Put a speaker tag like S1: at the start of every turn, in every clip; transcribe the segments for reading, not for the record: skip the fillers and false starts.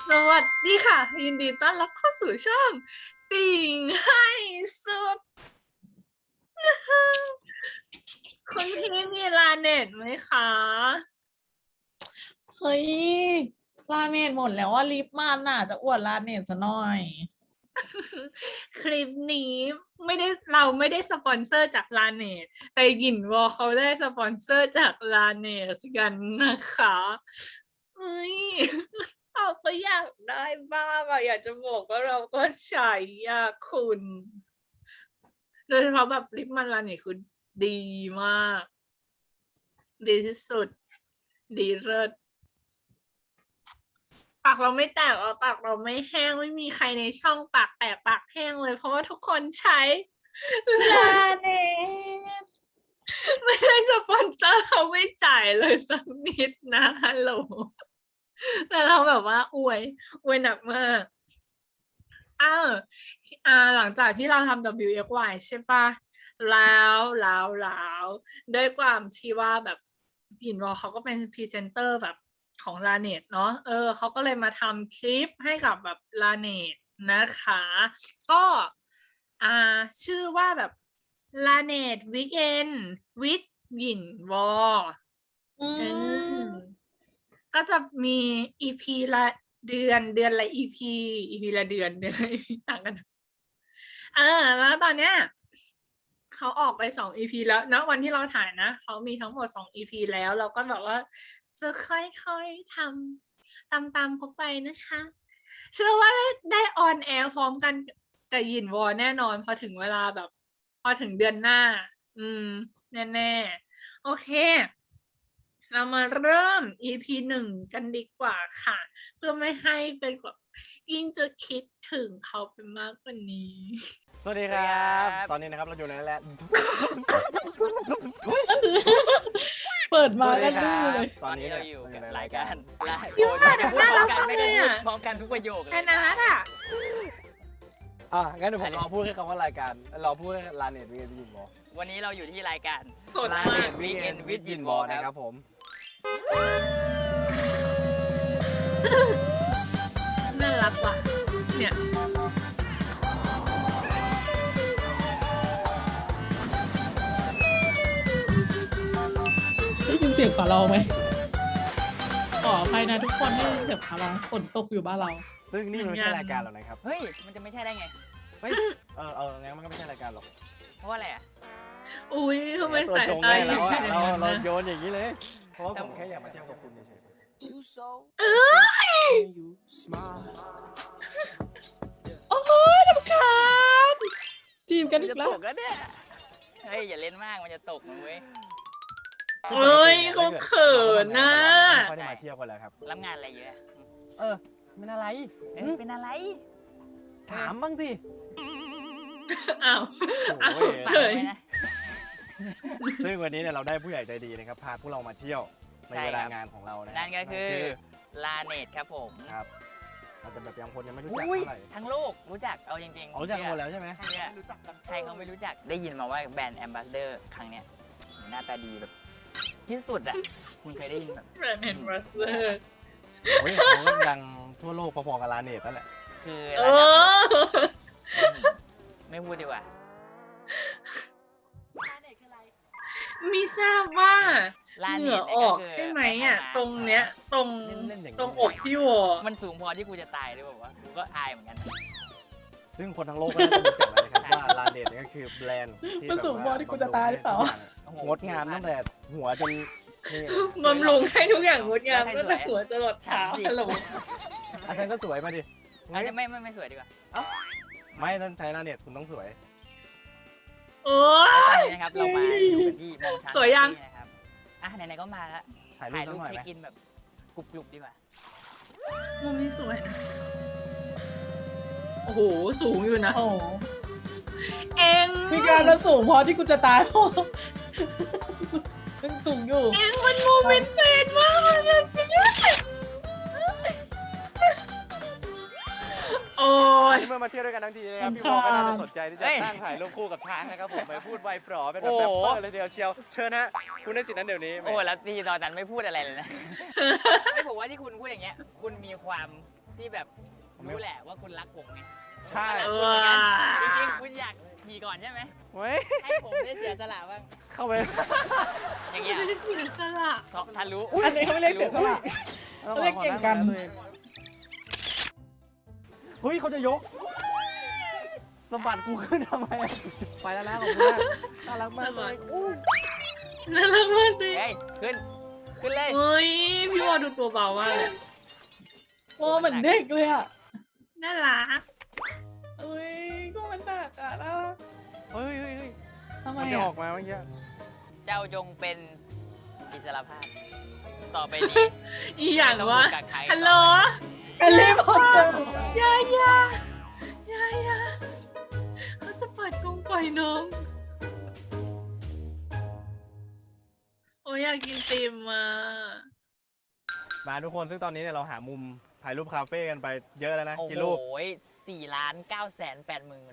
S1: สวัสดีค่ะยินดีต้อนรับเข้าสู่ช่องติ่งให้สุดคุณพี่มีลาเน็ตไหมคะ
S2: เฮ้ยลาเนตหมดแล้วว่าลิปมันน่ะจะอวดลาเนตซะหน่อย
S1: คลิปนี้เราไม่ได้สปอนเซอร์จากลาเน็ตแต่หยินวอเขาได้สปอนเซอร์จากลาเน็ตกันนะคะเอ้ยเราก็อยากได้บ้างอะอยากจะบอกว่าเราก็ใช้ยาคุณโดยเฉพาะแบบลิปมันลาเน็ตคือดีมาก ดีที่สุด ดีเลิศปากเราไม่แตกปากเราไม่แห้งไม่มีใครในช่องปากแตกปากแห้งเลย เพราะว่าทุกคนใช้
S2: ลาเนต
S1: ไม่ได้สปอนเซอร์เขาไม่จ่ายเลยสักนิดนะฮัลโหลแต่เราแบบว่าอวยหนักมากอ้าวหลังจากที่เราทำ WXY ใช่ปะแล้วด้วยความที่ว่าแบบยินวอเขาก็เป็นพรีเซนเตอร์แบบของลาเนตเนาะเขาก็เลยมาทำคลิปให้กับแบบลาเนตนะคะก็อ่าชื่อว่าแบบลาเนตวีคเอนวิดยินวอก็จะมีอีพีละเดือนละอีพีละเดือนละ EP ต่างกันแล้วตอนเนี้ยเขาออกไป2 EPแล้วนะวันที่เราถ่ายนะเขามีทั้งหมด2 EPแล้วเราก็แบบว่าจะค่อยๆทำตามเขาไปนะคะเชื่อว่าได้ออนแอร์พร้อมกันกับหยินวอแน่นอนพอถึงเวลาแบบพอถึงเดือนหน้าแน่ๆโอเคเรามาเริ่ม EP 1กันดีกว่าค่ะเพื่อไม่ให้เป็นแบบยิ่งจะคิดถึงเขาไปมากกว่านี้
S3: สวัสดีครับ ตอนนี้นะครับเราอยู่ในแลนด์
S2: เปิดมา
S3: สวัส
S2: ก็
S3: ดีค
S2: ดู
S3: รับ
S2: เลย
S3: ตอนนี้
S4: เราอยู่กับรายการ
S1: พี่ว่าเดี๋ยวน่ารักจังเลยอะ
S4: พร้อมกันทุกประโยคเลย
S1: แอนนาอ่ะ
S3: งั้นเดี๋ยวผมรอพูดแค่คำว่ารายการรอพูดแค่ลาเน็ตวีเอ็นยินบอล
S4: วันนี้เราอยู่ที่รายการ
S1: สด
S3: ลาม
S1: า
S3: เน็
S1: ก
S3: ตวีเอ็นวิดยินบอลนะครับผม
S1: น่ารักว่ะเนี่ย
S2: ได้ยินเสียงขอเราไหมขออภัยนะทุกคนที่เสียงขอเราฝนตกอยู่บ้านเรา
S3: ซึ่งนี่มันไม่ใช่รายการหรอกนะครับ
S4: เฮ้ย มันจะไม่ใช่ได้ไง
S3: เฮ้ยงั้นมันก็ไม่ใช่รายการหรอก
S4: เพราะว่าอะไรอ่ะ
S1: อุ้ยทำไม
S3: ตัว
S1: สาย
S3: จง
S1: ตา
S3: ให้
S1: หยิ
S3: เรา
S1: น
S3: อะ
S1: เป็นอ
S3: เรา
S1: ย่างนั้น
S3: เรา
S1: นะ
S3: โยนอย่างนี้เลย เพราะว่าผมแค่อยากมาเที่ยวกับคุณเฉย
S2: โอ้ยรำคาญจีบกัน
S4: มัน
S2: อี
S4: จะ
S2: กแล้
S4: ต
S2: ว
S4: กแล้วเนี่ย เฮ้ย อย่าเล่นมาก มันจะตกนะเว้ย
S3: ๆ
S1: เอ้ยเขาเขินนะ
S3: ไม่ค่อยได้มาเที่ยวกันแล้วครับ
S4: รับงานอะไรเยอะ
S3: เป็นอะไร
S4: เป็นอะไร
S3: ถามบ้างสิ
S1: อ้าวอ้าว
S3: โอ้ย
S1: เฉย
S4: ฝากไว้นะ
S3: ซึ่งวันนี้เนี่ยเราได้ผู้ใหญ่ใจดีนะครับพาพวกเรามาเที่ยวใน
S4: ใช่
S3: เว
S4: ค
S3: ลา
S4: รับ
S3: งานของเรานะ
S4: นั่นก็คือลาเนตครับผม
S3: ครับอาจจะแบบยังคนยังไม่รู้จัก
S4: อุ้ย
S3: เท่าไหร่
S4: ทั้งโลกรู้จัก เอาจริงๆ
S3: อ๋อรู้จักหมดแล้วใช่ไหม
S4: ใช่รู้จักกันใครเขาไม่รู้จัก ได้ยินมาว่าแบรนด์แอมบาสเดอร์ครั้งเนี้ยหน้าตาดีแบบที่สุดอ่ะ คุณเคยได้ยินแบบ
S1: แบรนด์เฮนรัสเซอร์
S3: โอ้ยเขาก็ดังทั่วโลกพอๆกับลาเนตนั่นแหละ
S4: คือ
S1: เอ
S4: ระดับ
S1: อ
S4: ไม่พูดดีกว่า
S1: มีทราบว่า
S4: ลา
S1: เห
S4: เน็
S1: งื่อ
S4: ต
S1: ออกใช่ไหมอ่ะ ตรงเนี้ยตรงอกพี่วอ
S4: มันสูงพอที่กูจะตายหรือเปล่าวะกูก็อายเหมือนกัน
S3: ซึ่งคนทั้งโลกก็น่าจะรู้จักแล้วนะครับว่าลาเนตเนี่ยก็คือแบรนด์ที่
S2: มันสูงพอที่กูจะตายหรือเปล่า
S3: งดงามตั้งแต่หัวจนนี่
S1: บำรุงให้ทุกอย่างงดงามตั้งแต่หัวจรดเท้าฮัลโหล
S3: อาจารย์ก็สวยมาดิ
S4: อาจจะไม่สวยดีกว่า
S3: ไม่ท่านใช้ลาเนตคุณต้องสวย
S1: โอ้
S4: แล้วตอน
S1: ย
S4: นี้นะครับเรามาอยู่กันที่มองช้าง
S1: สวยยัง
S4: นะครับอ่ะไหนๆก็มาแล้ว
S3: ถ่ายรูป
S4: ถ่าย
S3: สั
S4: รู
S3: ก
S4: ป
S3: หน่อย
S4: เช็
S3: ไหม
S4: คอินแบบกรุบๆดีกว่า
S1: มุมนี้สวยนะ โอ้โห สูงอยู่นะ
S2: โอ้
S1: เอง
S2: มีการมาสูงพอที่กูจะตาย มันสูงอยู่
S1: เองมันโมเมนต์เป็นมากเลยโอ้ย
S3: เมื่อมาเที่ยวด้วยกันทั้งทีนะครับ
S2: รำ
S3: พี่วอลก็น่าจะ
S2: คาญ
S3: สนใจที่จะ
S4: เฮ้ย
S3: นั่งถ่ายรูปคู่กับช้างนะครับผมไปพูดไวปลอเป็นแบบ
S4: โอ้
S3: แร
S4: โห
S3: ปเปอร์เลยทีเดียวเชียวเชิญฮะคุณได้สิทธิ์นั้นเดี๋ยวนี้
S4: โอ้แล้วที่ตอนนั้นไม่พูดอะไรเลยนะ ไม่ผมว่าที่คุณพูดอย่างเงี้ย คุณมีความที่แบบรู้แหละว่าคุณรักผมไง
S3: ใช่
S1: เอ
S4: จ
S1: อ
S4: ริงๆคุณอยากขี่ก่อนใช่ไหม
S3: เว้ย
S4: ให้ผมได้เสียสละบ้าง
S3: เข้าไป
S4: อย่างเงี้ย
S1: ไม่ได้เสียสละ
S4: ทะลุ
S2: อันนี้เขาไม่เรียกเสียสละ เขาเรียกเก่งกัน
S3: เฮ้ยเขาจะยกสะบัดกูขึ้นทำไมอะไปแล้วนะขอบคุณมากน่ารักมากเลยอู้
S1: น่ารักมากสิ
S4: เฮ้ยขึ้นเลย
S1: เฮ้ยพี่วอดูตัวเบามากเลย
S2: โอ้เหมือนเด็กเลยอ่ะ
S1: น่ารัก
S2: เอ้ยก็มันหนักอ่ะนะ
S3: เฮ้ยเฮ้ยเฮ้ย
S2: ทำไม
S3: มันจะอ
S2: อ่ะ
S3: อกมาเมื่อกี้
S4: เจ้าจงเป็นอิสรภาพต่อไปนี้
S1: อีอย่าง
S4: ไม่ต้
S1: วะ
S4: ถูกกักขัง
S1: ฮัลโหล
S2: แฮร์รี่พอตเตอร์
S1: ยายาเขาจะเปิดกรงปล่อยนมโอ้ยอยากกินติมอ่ะ
S3: มาทุกคนซึ่งตอนนี้เนี่ยเราหามุมถ่ายรูปคาเฟ่กันไปเยอะแล้วนะ
S4: โอ้
S3: กี่
S4: โห
S3: รูป
S4: 4,980,000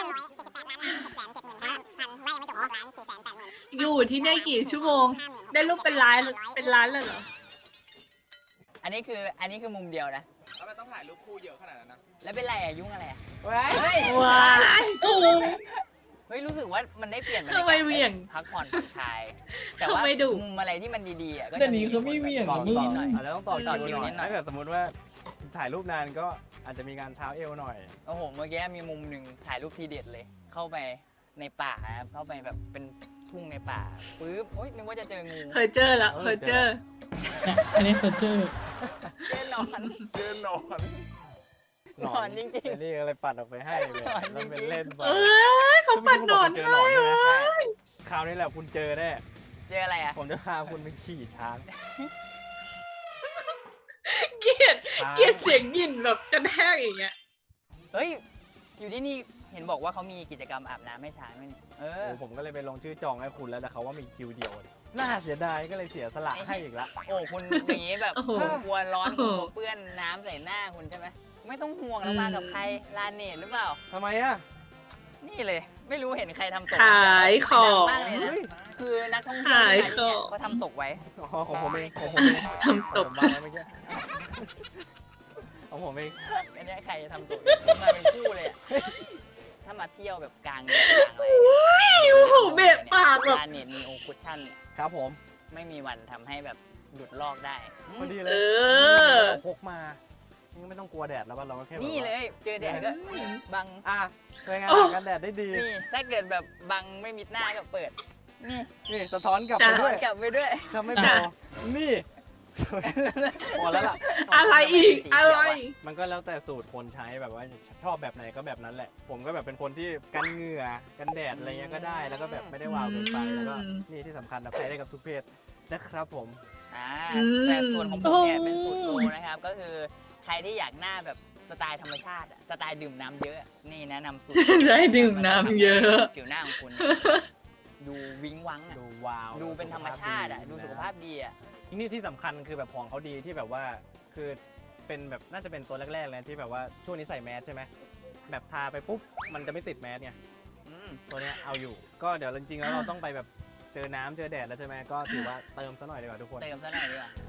S1: อยู่ที่เนี่ยกี่ชั่วโมง ได้รูปเป็นล้านเลยเหรอ
S4: อันนี้คือมุมเดียวนะ
S3: ทำไมต้องถ่ายรูปคู่เยอะขนาดนั้นนะ
S4: แล้วเป็นไรอะยุ่งอะไรอะ
S3: เว้ย
S4: เฮ้ย
S1: ว้าย
S4: เฮ้ยรู้สึกว่ามันได้เปลี่ยนบรร
S1: ทำ
S4: ยา
S1: ไม
S4: กาศ
S1: เหวี่ยง
S4: พักผ่อนผ่อนคลาย แต่ว่า
S1: ทำไมดุ
S4: มุมอะไรที่มันดีๆอะก็
S2: เดี๋
S4: จะ
S2: ยวนี้เขาไม่เหวี่ยง
S3: ต่อ
S2: มึ
S3: ต่
S2: ง
S3: ออาจจะต้องต่อ
S4: ต่อ
S3: คิ
S4: คิ
S3: ว
S4: ว
S3: ห
S4: นิ
S3: น่อย
S4: ดหน่อย
S3: ถ้าเกิดสมมติว่าถ่ายรูปนานก็อาจจะมีการเท้าเอวหน่อย
S4: โอ้โหเมื่อกี้มีมุมหนึ่งถ่ายรูปทีเด็ดเลย เข้าไปในป่าครับเข้าไปแบบเป็นทุ่งในป่าปึ๊บโอ๊ยนึกว่าจะเจองู
S1: เคยเจอแล้วเคยเจอ
S2: เนี่ยอันนี้เพอร์เจอร์
S4: แน่นอน
S3: เจอหนอน
S4: หนอนจริงๆ
S3: ไอ้นี่อะไรปัดออกไปให้เลย
S4: หนอนจริ
S3: มัน
S4: งๆ
S3: เป็นเล่นไป
S1: เอ้ยเขาปัดหนอน
S3: เจอ
S1: ให้
S3: หนอนใช่ไหม
S4: ใช่
S3: คราวนี้แหละคุณเจอแน่
S4: เจออะไรอะ
S3: ผมจะพาคุณไปขี่ช้าง
S1: เกลียดเสียงยินแบบกระแทกอย่างเงี้ย
S4: เฮ้ยอยู่ที่นี่เห็นบอกว่าเขามีกิจกรรมอาบน้ำให้ช้างด้วยนี่เออ
S3: โอ้ผมก็เลยไปลงชื่อจองให้คุณแล้วแต่เขาว่ามีคิวเดียว น่าเสียดายก็เลยเสียสละให้อีกละ
S4: โอ้คุณอย่างนี้แบบ
S1: โอ้โห
S4: คุณกลัวร้อน
S1: โอ้
S4: คุ
S1: โห
S4: ณกลัวเปื้อนน้ำใส่หน้าคุณใช่ไหมไม่ต้องห่วงเรามากับใครลาเนตหรือเปล่า
S3: ทำไมอ่ะ
S4: นี่เลย ไม่รู้เห็นใครทำตก
S1: ขายของ
S4: ดัมากเลยนะ
S3: เฮ้ย
S4: คือนักท่องเที่ยว
S1: ขาย
S4: ที่มาที่เนี่ย
S1: ของ
S4: เขาทำตกไว้
S3: อ๋อของผมเองของผมเอง
S1: ทำตก
S3: ผมวางไว้เมื่อกี้ของผมเอง
S4: อันเนี้ยใครทำตกมาเป็นคู่เลยอะถ้ามาเที่ยวแบบกลางแดดกลางอะไร
S1: โอ้โหเบะปากแบบ
S4: ลาเนตมีโอคุชชั่น
S3: ครับผม
S4: ไม่มีวันทำให้แบบหลุดลอกได้
S3: พอดีเล
S1: เอย อ
S3: เราพกมานี่ก็ไม่ต้องกลัวแดดแล้วป่ะเราก็แค่แบบ
S4: นี่
S3: ว่า
S4: เลย เจอแดดก็บัง
S3: อ่ะเป็นไง
S1: โอ้
S3: กันแดดได้ดี
S4: นี่ถ้าเกิดแบบบังไม่มิดหน้าก็เปิด นี่
S3: นี่สะท้อนกลับไป
S1: จ้ะ
S3: ด้วย
S4: กลับไปด้วย
S3: ถ้าไม่พอนี่พอแล้วล่ะ
S1: อะไรอีกอะไร
S3: มันก็แล้วแต่สูตรคนใช้แบบว่าชอบแบบไหนก็แบบนั้นแหละ ผมก็แบบเป็นคนที่กันเหงื่อกันแดดอะไรเงี้ยก็ได้ แล้วก็แบบไม่ได้วาวเกินไปแล้วก็นี่ที่สำคัญนะใช้ได้กับทุกเพศนะครับผม
S4: แต่ส่วนของผมเนี่ยเป็นสูตรโปรนะครับ ก็คือใครที่อยากหน้าแบบสไตล์ธรรมชาติอะสไตล์ดื่มน้ำเยอะ นี่แนะนำสูตร
S1: ได้ดื่มน้ำเยอะ
S4: ผิวหน้าของคุณ ดูวิ้งวังอะ
S3: ดูวาว
S4: ดูเป็นธรรมชาติอะดูสุขภาพดีอะ
S3: นี่ที่สำคัญคือแบบของเขาดีที่แบบว่าคือเป็นแบบน่าจะเป็นตัวแรกๆเลยที่แบบว่าช่วงนี้ใส่แมสใช่ไหมแบบทาไปปุ๊บมันจะไม่ติดแมสไง
S4: อืม
S3: ตัวเนี้ยเอาอยู่ ก็เดี๋ยวจริงๆแล้วเราต้องไปแบบเจอน้ำเจอแดดแล้วใช่ไหมก็ถือว่าเติมซะหน่อยดีกว่าทุกคน
S4: เติมซะหน่อยดีกว่า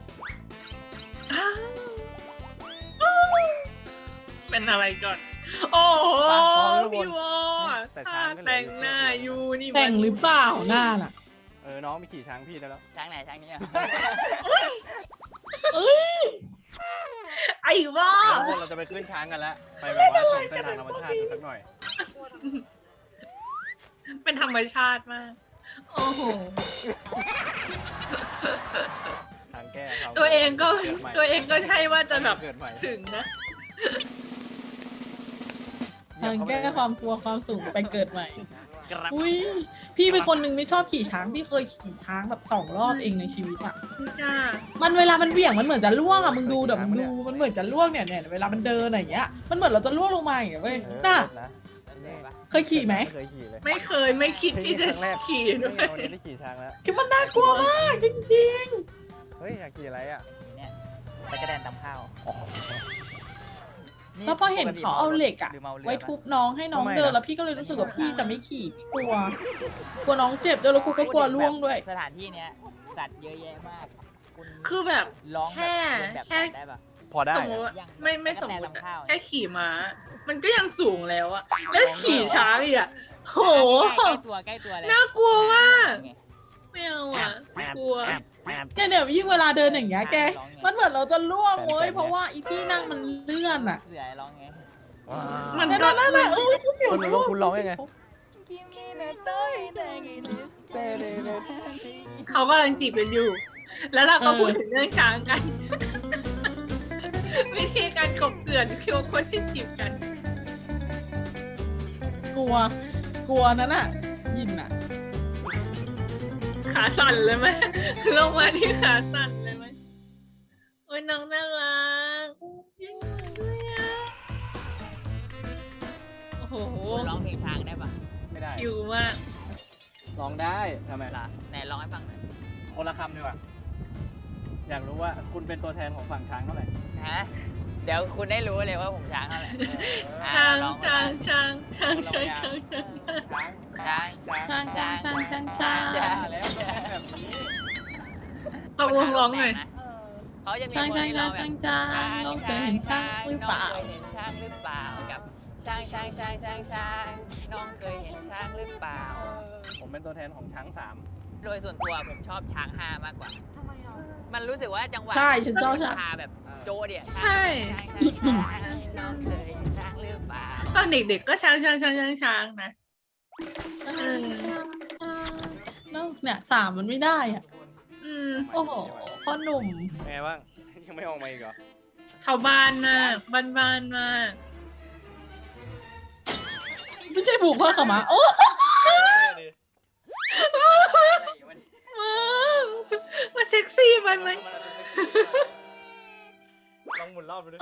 S1: เป็นอะไรก่อน โอ้โห พี่วอ
S3: แต่
S1: ถ้า
S3: ช้างก็เหลือ
S1: แต่งหน้าอยู่นี่
S2: แต่งหรือเปล่าหน้าน่ะ
S3: น้องไปขี่ช้างพี่ได้แล้ว
S4: ช้างไหนช้างนี้อะ
S1: ไอ้วอ
S3: ทุกคนเราจะไปขึ้นช้างกันแล้วไปแบบว่าชมเส้นทางธรรมชาติกันสักหน่อย
S1: เป็นธรรมชาติมาก โอ้โห
S3: ทางแก้เขา
S1: ตัวเองก็
S3: กิดใหม่
S1: ตัวเองก็ใช่ว่าจะแบบ
S3: เกิดใหม่
S1: ถึงนะ
S2: ทางแก้ความกลัวความสูงไปเกิดใหม่
S4: ครับ
S2: อุ้ยพี่เป็นคนหนึ่งไม่ชอบขี่ช้าง พี่เคยขี่ช้างแบบ2 รอบเองในชีวิตอ่ะ
S1: จ้า
S2: มันเวลามันเหวี่ยงมันเหมือนจะล่วงอ่ะมึงดูเดี๋ยวมึงดูมันเหมือนจะล่วงเนี่ยเวลามันเดินอะไรอย่างเงี้ยมันเหมือนเราจะล่วงลงมาอย่างเงี้ยเว้ยน่ะ
S3: นะ
S2: เคยขี่ไหม
S3: ไม่เคยขี่เลย
S1: ไม่เคยไม่คิดที่จะขี่ด้
S3: นี่
S1: วย
S3: ไงวันนี้ได้ขี่ช้างแล้ว
S2: คือมันน่ากลัวมากจริง
S3: เฮ้ยอยากขี่อะไรอ่ะ
S4: เนี่ยตะกระแดนตำข้าว
S2: ๆแล้วพอเห็นเขาเอาเหล็กอ่ะ
S4: หรือเมาเรือ
S2: ไว้ทุบน้องให้น้องเดินแล้วพี่ก็เลยรู้สึกว่าพี่จะไม่ขี่พี่กลัวน้องเจ็บด้วยแล้วกูก็กลัวล่วงด้วย
S4: สถานที่เนี้ยสัตว์เยอะแยะมาก คุณ
S1: คือแบบ
S4: ร้อง
S1: แค่
S4: บบเรียนแบบ
S1: แค่
S4: สัตว์ได้ปะ
S3: พอได้
S1: สมมติว่าไม่สมมติ
S4: ตะกั่วแตนลำข้าว
S1: แค่ขี่ม้า มันก็ยังสูงแล้วอะแล้วขี่ช้างอีกอะโห
S4: ใกล้ตัวใกล้ตัวแล้ว
S1: น่ากลัวมากไม่เอาอะกลัว
S2: เนี่ยยิ่งเวลาเดินอย่างเงี้ยแก มันเหมือนเราจะล่วงเว้ยเพราะว่าอีที่นั่งมันเลื่อนอ่ะ
S4: เสือร้องไง
S1: มัน
S2: นั่น
S1: ก็
S2: นั่นเอ้ยกูเสียว
S3: คุณร้องยังไง
S1: เขากำลังจีบกันอยู่ แล้วเราก็พูดถึงเรื่องช้างกัน วิธีการกบเกลื่อนคือคนที่จีบกัน
S2: กลัวนั่นน่ะยินอ่ะ
S1: ขาสั่นเลยไหมลงมาที่ขาสั่นเลยไหมโอ้ยน้องน่ารักยิ่งด้วยอะโอ้โห
S4: ร้องเพลงช้างได้ปะ
S3: ไม่ได้
S1: ชิวมาก
S3: ร้องได้ทำไม
S4: ล่ะไหนร้องให้ฟังหน่อย
S3: คนละคำดีกว่าอยากรู้ว่าคุณเป็นตัวแทนของฝั่งช้างเท่าไหร่
S4: ฮะเดี๋ยวคุณได้รู้เลยว่าผมช้างเท่าไหร่
S1: ช้าง
S4: ร้อ
S1: ช้าง
S4: ม
S1: ช้างช้างช้างช้างช้าง
S4: ช้าง
S2: ช้าง
S3: แล้วแบบนี้
S1: ตกลงร้องหน่อย
S4: เขาจะมีคนที่ร้องแบบ
S2: น้องเคยเห็นช้างหรือเปล่า
S4: น้องเคยเห็นช้างหรือเปล่ากับช้างน้องเคยเห็นช้างหรือเปล่า
S3: ผมเป็นตัวแทนของช้างสาม
S4: โดยส่วนตัวผมชอบช้าง5มากกว่า มันรู้สึกว่าจังหวะ
S2: ใช่ฉันชอบช้าง
S4: พาแบบโจเดีย
S1: ใช่
S4: น้องเคยเห็นช้างหรือเปล่า
S1: ตอนเด็กๆก็ช้างช้างช้างช้างช้างนะ
S2: แล้วเนี่ยสามมันไม่ได้อ่ะ
S1: อืม
S2: โอ้โหพ่อหนุ่ม
S3: เป็นไงบ้าง ยังไม่ออกมาอีกเหรอ
S1: ชาวบ้านมากบ้านๆมาก
S2: ไม่ใช่ผูกผ้าขาวม้าโอ้
S1: มาเซ็กซี่ไปไหม
S3: ลองหมุนรอบไปด้วย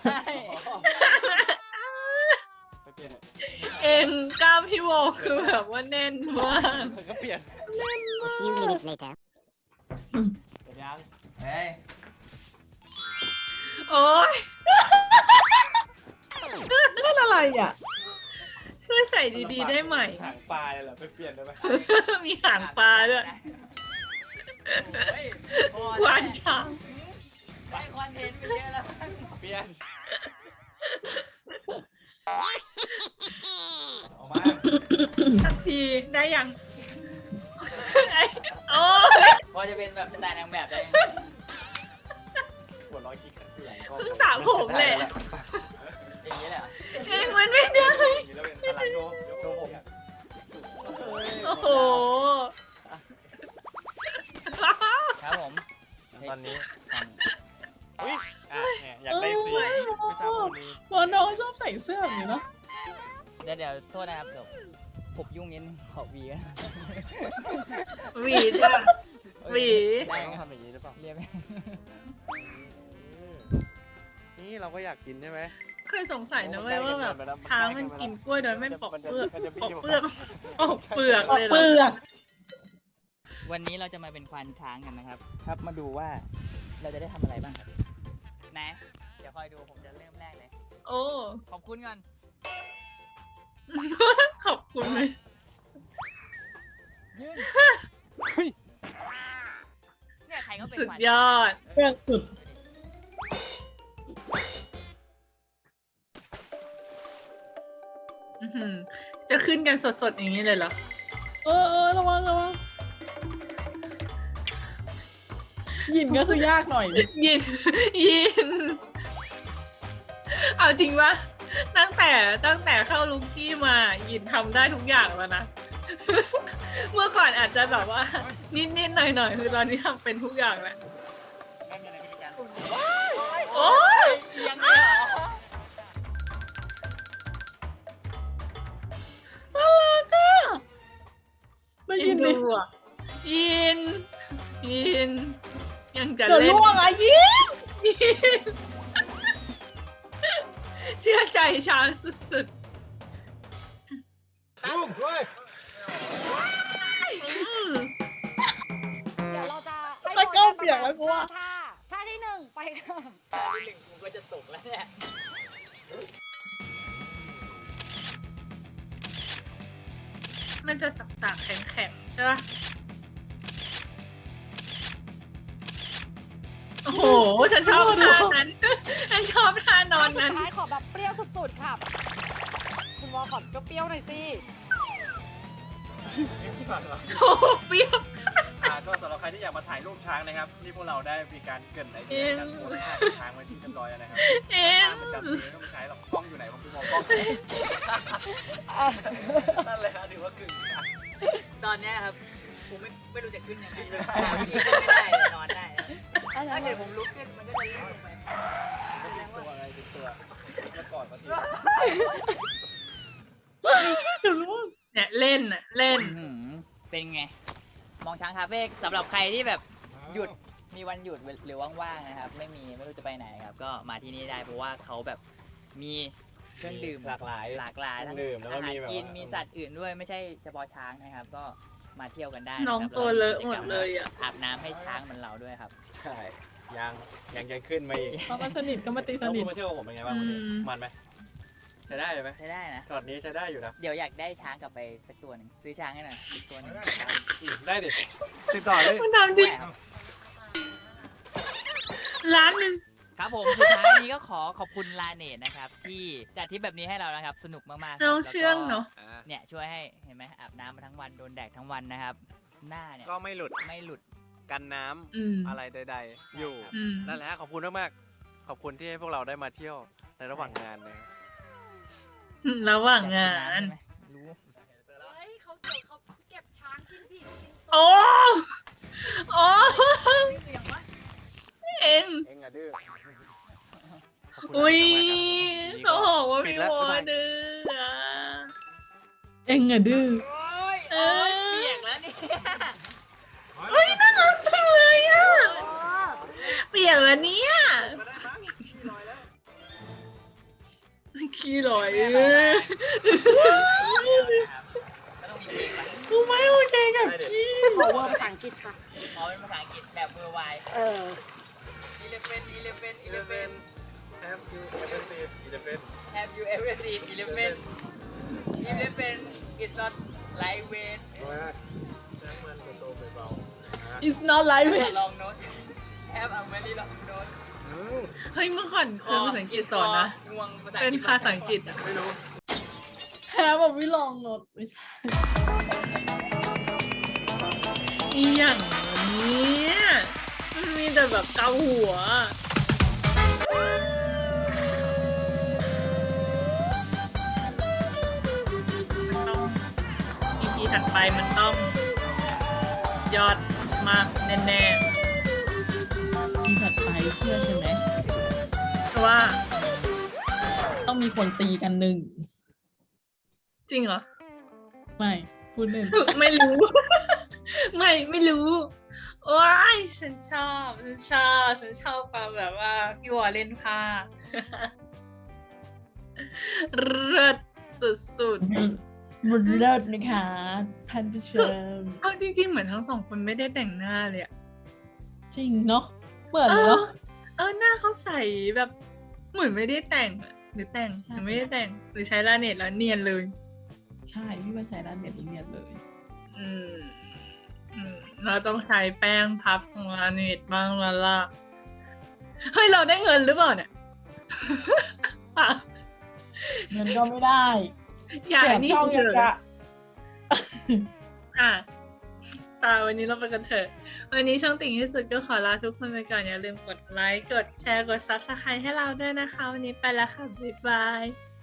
S3: ไปเปลี่ยน
S1: เองกล้ามพี่โบคือแบบว่าแน่นมาก
S3: ก็เปลี่ยน
S5: A few minutes later.
S3: เปลี่ยนยัง
S4: เฮ้ย
S1: โอ้ย
S2: นั่นอะไรอ่ะ
S1: ช่วยใส่ดีๆได้ไหม
S3: หางปลาเลยเหรอไปเปลี่ยนได้ไหม
S1: มีหางปลาด้วย
S4: เฮ้ยพอ
S1: วานช้าง
S4: ได้คอนเทนต์ไปเยอะแล้ว
S3: เปลี่ยนออกมา
S1: สักทีได้ยังโอ้ย
S4: พอจะเป็นแบบสไตล์นางแบบได้
S3: หัวเร้อยคิกกันคือหลังก็
S1: เพิ่งสระผมแหละ
S4: อย่างนี้แหละ
S1: เองมันไม่ได้
S3: อย่างนี้แล้วเป็นพลังโชว์ผม
S1: โอ้โห
S4: ครับผม
S3: ตอนนี้อุ้ยอ่ะเนี่ยอยากได้สีไม่ทราบวันนี้
S2: พอน้องชอบใส่เสื้อแบบนี้เนาะ
S4: เดี๋ยวโทษนะครับเดี๋ยวผมยุ่งนิดนึงขอวีนะ
S1: หวีจ้ะหวี
S3: ได้ต้องทำอย่างนี้หรือเปล่า
S4: เรียกไหม
S3: นี่เราก็อยากกินใช่ไหม
S1: เคยสงสัยนะเว้ยว่าแบบช้างมันกินกล้วยโดยไม่ปอกเปลือกปอกเปลือกปอกเปลือก
S2: ออก
S1: เลยเหร
S2: เป
S1: อ
S2: ลือก
S4: วันนี้เราจะมาเป็นควานช้างกันนะครับ ครับมาดูว่าเราจะได้ทำอะไรบ้างครับนะเดี๋ยวคอยดูผมจะเริ่มแรกเลย
S1: โอ้
S4: ขอบคุณก่อน
S1: ขอบคุณเลย
S4: ยื่นเนี่ยใครก็เป็น
S1: สุด
S4: ควาน
S1: ยอด
S2: เปลือกสุด
S1: อื้อหือจะขึ้นกันสดๆอย่างนี้เลยเหรอ
S2: ระวังยินก็คือยากหน่อย
S1: ยิน ยิน เอาจริงปะตั้งแต่เข้าลุกกี้มายินทำได้ทุกอย่างแล้วนะ เมื่อก่อนอาจจะแบบว่า นิดๆหน่อยๆคือตอนนี้ทำเป็นทุกอย่างแล้ว
S4: ไม่มีอะไรพิธีการ
S1: โอ้ย
S4: เอียงเลยเหรอ
S2: ไม่
S1: ยิ
S2: ยิ
S1: น
S2: น
S1: ดู
S2: ดิ
S1: อ่ะยิน ยิน ยังจะ
S2: เดี๋ยว
S1: เล่น
S2: ล่วงอ่ะยิน
S1: ยิน เชื่อใจช้างสุด
S3: ลูกด้วย
S1: ๆอืม
S5: เดี๋ยวเราจะให้
S2: ตะเก้าเปียกแล้วกูว่า
S5: ท่าที่หนึ่งไปค่ะ
S4: ที่หนึ่งกูก็จะตกแล้วเนี่ย
S1: มันจะสักๆแข็งๆใช่ปะโอ้โหฉันชอบท่านั้น ฉันชอบท่านอนนั้น
S5: สุดท้ายขอแบบเปรี้ยวสุดๆค่ะ คุณวอขอเปรี้ยวๆหน่อยสิ
S1: โอ้โหเปรี้ยว
S3: ก็สำหรับใครที่อยากมาถ่ายรูปช้างนะครับที่พวกเราได้มีการเกรินไอเดียการโพสท่าช้างไว้ที่เรียบร้อยแล้วนะครับ
S1: เอ็ม
S3: มันจำจริงก็ไม่ใช้หรอกกล้องอยู่ไหนผมไปมองกล้องนั่นเลยฮะถือว่ากึ่ง
S4: ตอนเนี้ยครับผมไม่รู้จะขึ้นยังไงพี่ขึ้นไม่ได้เลยนอนได้นะถ้าเกิดผมลุกขึ้นมันก็จะลื่นลงไป
S3: ตัวอะไรติดตัวแล้วกอดมาที
S1: เนี่ยเล่นอ่ะเล่น
S4: เป็นไง มองช้างคาเฟ่สำหรับใครที่แบบหยุดมีวันหยุดหรือว่างๆนะครับไม่รู้จะไปไหนครับก็มาที่นี่ได้เพราะว่าเขาแบบมีเครื่องดื่ม
S3: หลากหลาย
S4: ทั้ง
S3: ดื่มแล้วก็
S4: อาหา
S3: มี
S4: ร
S3: แบบ
S4: กินมีสัตว์อื่นด้วยไม่ใช่เฉพาะช้างนะครับ ก็มาเที่ยวกันได้
S1: น้อง
S4: นะครับ
S1: ตัวเลอะหมดเลยอ่ะ
S4: อาบน้ำให้ช้างเหมือนเราด้วยครับ
S3: ใช่ยังจะขึ้นมาอีก
S2: พอมันสนิทก็มาตีส
S3: แล้ว
S2: นิ
S3: คุ
S2: ท
S3: ณมาเที่ยวกับผมเป็นไงบ้างวันนี้
S1: อืม
S3: มันไหมใช้ได้เลยไหม
S4: ใช้ได้นะ
S3: ช็อตนี้ใช้ได้อยู่นะ
S4: เดี๋ยวอยากได้ช้างกลับไปสักตัวหนึ่งซื้อช้างให้หน่อยอีกตัวหนึง
S3: ได้ดิติดต่อเลย
S1: มันทำจริง
S4: ได้ครับ
S1: ร้านหนึ่ง
S4: ครับผมสุดท้ายนี้ก็ขอบคุณลาเนตนะครับที่จัดทริปแบบนี้ให้เรานะครับสนุกมากๆครับ
S1: น้อง
S4: แล้วก็
S1: เชื่องเนาะ
S4: เนี่ยช่วยให้เห็นไหมอาบน้ำมาทั้งวันโดนแดดทั้งวันนะครับ หน้าเนี่ย
S3: ก็ไม่หลุด
S4: ไม่หลุด
S3: กันน้ำ
S1: อืม
S3: อะไรใดๆอยู่
S1: อืม
S3: นั่นแหละขอบคุณมากๆขอบคุณที่ให้พวกเราได้มาเที่ยวในระหว่างงานนะ
S1: ระหว่างงาน
S4: อยกกิำใช่ไหมรู้
S5: เฮ้ยเขาเก็บช้างกินผิดกิน
S1: โอ้โอ้
S5: เสียงวะ
S1: เอ็ง
S3: เอ็งอะดื้อ
S1: อุ้ย
S3: ขอบ
S1: เขา
S3: คุณมากครับ
S1: บอกว่า
S3: ปิ
S1: มี
S3: ดแล้ว
S1: วอ
S3: บ๊ายบาย
S1: ดื้ออะ
S2: เอ็งอะดื้อ
S4: โอ้ย
S1: เอ
S4: โอ้
S1: อ
S4: ยเปียกแล้วเนี่ย
S1: เฮ้ยน่ารักจังเลยอ่ะ
S5: เออ
S1: เปียกแล้วเนี่ยขี้ลอย
S4: ก็ต้องมีเพลงปะ
S2: กูไม่โอเคกับพี่
S5: ขอเวอร์ภาษาอังกฤษค่ะ
S4: ขอเป็นภาษาอังกฤษแบบเวอร์ไว
S5: เออ
S4: 11
S3: Have you ever seen Elephant
S4: Have you ever seen 11 is not lightweight
S3: ช้างมันตัวโตเบา
S2: It's not like it
S4: long note Have a very long note
S1: เฮ้ยเมื่อก่อนเคยภาษาอังกฤษสอนนะ
S4: ง่วงภาษาอั
S1: เป็
S4: ง
S1: น
S4: กฤษ
S1: ภาษาอังกฤษอะ
S3: ไม่รู้
S2: แพ้แบบวิลองรถไม่ใช่
S1: อีอย่างนี้มันมีแต่แบบเกาหัว EP ถัดไปมันต้องยอดมากแน่
S2: ที่ถัดไปเชื่อใช่ไหม
S1: ๆเพราะว่า
S2: ต้องมีคนตีกันหนึ่ง
S1: จริงเหรอ
S2: ไม่พูดเล่น
S1: ไม่รู้ ไม่รู้ โอ้ยฉันชอบความแบบว่าพี่วอเล่นผ้า เลิศสุด
S2: มันเลิศนะคะท่านผู้ชม
S1: ๆเอาจริงๆเหมือนทั้งสองคนไม่ได้แต่งหน้าเลยอะ
S2: จริงเนาะเหมือนเนาะ
S1: หน้าเขาใสแบบเหมือนไม่ได้แต่งอะหรือแต่ง
S2: ใช่
S1: หรือไม่ได้แต่งหรือใช้ลาเน็ตแล้วเนียนเลย
S2: ใช่พี่ว่าใช้ด้านเน็ตเนียนเลย
S1: อืมเราต้องใช้แป้งพับของลาเน็ตบ้างแล้วล่ะเฮ้ยเราได้เงินหรือเปล่าเนี่ย อ่ะ
S2: เงินก็ไม่ได้
S1: อย่า
S2: แถม
S1: นี่
S2: ช่อง
S1: เฉ
S2: ยัง
S1: ย
S2: กะ
S1: อ่ะวันนี้เราไปกันเถอะ วันนี้ช่องติ่งที่สุดก็ขอลาทุกคนไปก่อนอย่าลืมกดไลค์ กดแชร์ กด Subscribe ให้เราด้วยนะคะ วันนี้ไปแล้วค่ะ บ๊ายบาย